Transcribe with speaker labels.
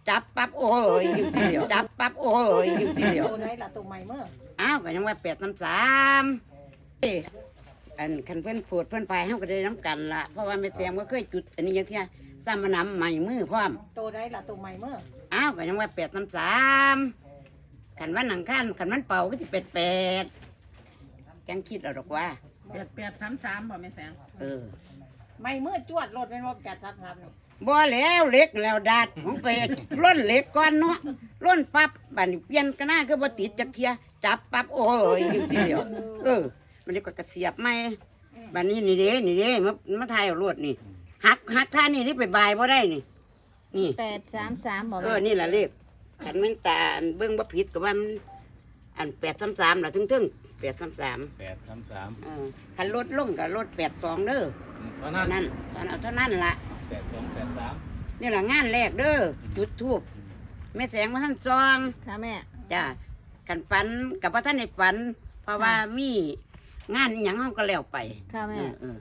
Speaker 1: จับปั๊บโอ้ยอยู่ทีเดียวจับปั๊บโอ้ยอยู่ทีเดียว
Speaker 2: ตัวไหนล่ะตัวใหม่เมื่อ
Speaker 1: อ้าวก็ยังว่า833อันคันเพิ่นพูดเพิ่นไปเฮาก็ได้น้ำกันล่ะเพราะว่าแม่แซมก็เคยจุดอันนี้อย่างเที่ยซ้ำมานำใหม่มือพร้อม
Speaker 2: ตัวไหนล่ะตัวใหม่เมื่อ
Speaker 1: อ้าวก็ยังว่า833คันวันหนังคันคันวันเป่าก็สิ88จังคิดเอาดอกว่า
Speaker 3: 833บ่แม่แสง
Speaker 1: เออ
Speaker 2: ไม่เมื่อจวดรถเป็นว่าจัดซับนี่
Speaker 1: บ่แล้วเหล็กแล้วดาดของไปล้นเหล็กก่อนเนาะล้นปั๊บบัดนี้เปลี่ยนกันหน้าคือบ่ติดจักเที่ยจับปั๊บโอ้ยอยู่ทีเดียวมันนี่ก็กระเสียบใหม่บัดนี้นี่เด้มาถ่ายเอารวดนี่หักท่านี่ไปบายบ่ได้นี่
Speaker 4: 833บ่
Speaker 1: นี่ล่ะเลขคันมันตาอันเบิ่งบ่ผิดก็ว่ามันอัน833ล่ะถึง833
Speaker 5: 833
Speaker 1: คันลดลงก็ลด82เด้อ
Speaker 5: ตอนนั้น
Speaker 1: เอาเท่านั้นล่ะ
Speaker 5: 8283
Speaker 1: นี่ล่ะงานแรกเด้อจุดธูปแม่แสงมาท่านซอง
Speaker 4: ค่ะแม่
Speaker 1: จ้ากันฝันกับพระท่านในฝัน เพราะว่ามีงานอหย่างเฮาก็แล้วไป
Speaker 4: ค่ะแม่
Speaker 1: เออ